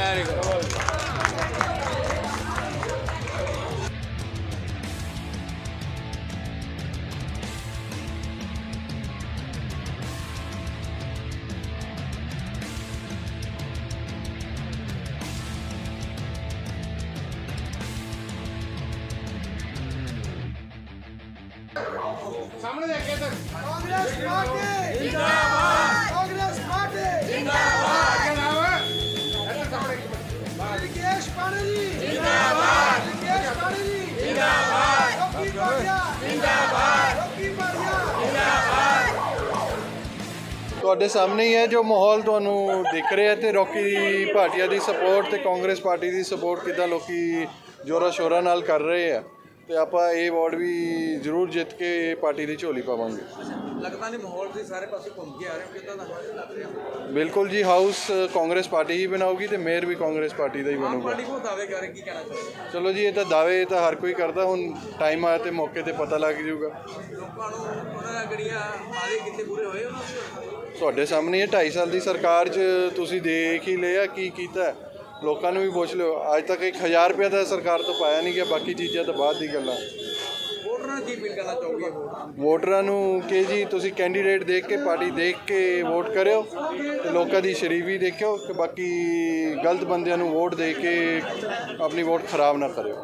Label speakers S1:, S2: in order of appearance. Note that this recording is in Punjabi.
S1: Very good.
S2: ਸਾਹਮਣੇ ਦੇਖੇ ਤੱਕ
S3: ਕਾਂਗਰਸ ਪਾਰਟੀ ਜਿੰਦਾਬਾਦ ਕਾਂਗਰਸ ਪਾਰਟੀ
S2: ਜਿੰਦਾਬਾਦ
S3: ਵਿਕੇਸ਼ ਪਾਣੀ ਜਿੰਦਾਬਾਦ ਵਿਕੇਸ਼ ਪਾਣੀ ਜਿੰਦਾਬਾਦ ਰੋਕੀ ਭਾਟੀਆ ਜਿੰਦਾਬਾਦ ਰੋਕੀ ਭਾਟੀਆ
S4: ਤੁਹਾਡੇ ਸਾਹਮਣੇ ਹੀ ਹੈ ਜੋ ਮਾਹੌਲ ਤੁਹਾਨੂੰ ਦਿਖ ਰਿਹਾ ਤੇ ਰੌਕੀ ਭਾਟੀਆ ਦੀ ਸਪੋਰਟ ਤੇ ਕਾਂਗਰਸ ਪਾਰਟੀ ਦੀ ਸਪੋਰਟ ਕਿੱਦਾਂ ਲੋਕੀ ਜ਼ੋਰਾਂ ਸ਼ੋਰਾਂ ਨਾਲ ਕਰ ਰਹੇ ਆ ਤੇ ਆਪਾਂ ਇਹ ਵਾਰਡ ਵੀ ਜ਼ਰੂਰ ਜਿੱਤ ਕੇ ਪਾਰਟੀ ਦੀ ਝੋਲੀ ਪਾਵਾਂਗੇ।
S1: ਲੱਗਦਾ ਨਹੀਂ ਮਾਹੌਲ ਤੁਸੀਂ ਸਾਰੇ ਪਾਸੇ ਘੁੰਮ ਕੇ ਆ ਰਹੇ ਹੋ, ਕਿੱਦਾਂ ਦਾ ਲੱਗ ਰਿਹਾ?
S4: ਬਿਲਕੁਲ ਜੀ, ਹਾਊਸ ਕਾਂਗਰਸ ਪਾਰਟੀ ਹੀ ਬਣਾਊਗੀ ਤੇ ਮੇਅਰ ਵੀ ਕਾਂਗਰਸ ਪਾਰਟੀ ਦਾ ਹੀ
S1: ਆਮ
S4: ਬਣੂਗਾ।
S1: ਪਾਰਟੀ ਕੋ ਦਾਅਵੇ ਕਰ ਕੀ ਕਹਿਣਾ ਚਾਹੁੰਦੇ
S4: ਚਲੋ ਜੀ, ਇਹ ਤਾਂ ਦਾਅਵੇ ਤਾਂ ਹਰ ਕੋਈ ਕਰਦਾ, ਹੁਣ ਟਾਈਮ ਆਇਆ ਤੇ ਮੌਕੇ ਤੇ ਪਤਾ ਲੱਗ ਜਾਊਗਾ।
S1: ਲੋਕਾਂ ਨੂੰ ਉਹਨਾਂ ਦੀਆਂ ਜਿਹੜੀਆਂ ਵਾਅਦੇ ਕੀਤੇ ਪੂਰੇ ਹੋਏ ਉਹਨਾਂ ਦੇ?
S4: ਤੁਹਾਡੇ ਸਾਹਮਣੇ ਇਹ 2.5 ਸਾਲ ਦੀ ਸਰਕਾਰ 'ਚ ਤੁਸੀਂ ਦੇਖ ਹੀ ਲਿਆ ਕੀ ਕੀਤਾ। ਲੋਕਾਂ ਨੂੰ ਵੀ ਪੁੱਛ ਲਿਓ, ਅੱਜ ਤੱਕ 1000 ਰੁਪਇਆ ਤਾਂ ਸਰਕਾਰ ਤੋਂ ਪਾਇਆ ਨਹੀਂ ਗਿਆ, ਬਾਕੀ ਚੀਜ਼ਾਂ ਤਾਂ ਬਾਅਦ ਦੀ ਗੱਲਾਂ।
S1: ਵੋਟਰਾਂ ਕੀ ਅਪੀਲ ਕਰਨਾ ਚਾਹੋਗੇ?
S4: ਵੋਟਰਾਂ ਨੂੰ ਕਿ ਜੀ ਤੁਸੀਂ ਕੈਂਡੀਡੇਟ ਦੇਖ ਕੇ ਪਾਰਟੀ ਦੇਖ ਕੇ ਵੋਟ ਕਰਿਓ ਤੇ ਲੋਕਾਂ ਦੀ ਸ਼ਰੀਫੀ ਦੇਖਿਓ ਕਿ ਬਾਕੀ ਗਲਤ ਬੰਦਿਆਂ ਨੂੰ ਵੋਟ ਦੇ ਕੇ ਆਪਣੀ ਵੋਟ ਖਰਾਬ ਨਾ ਕਰਿਓ।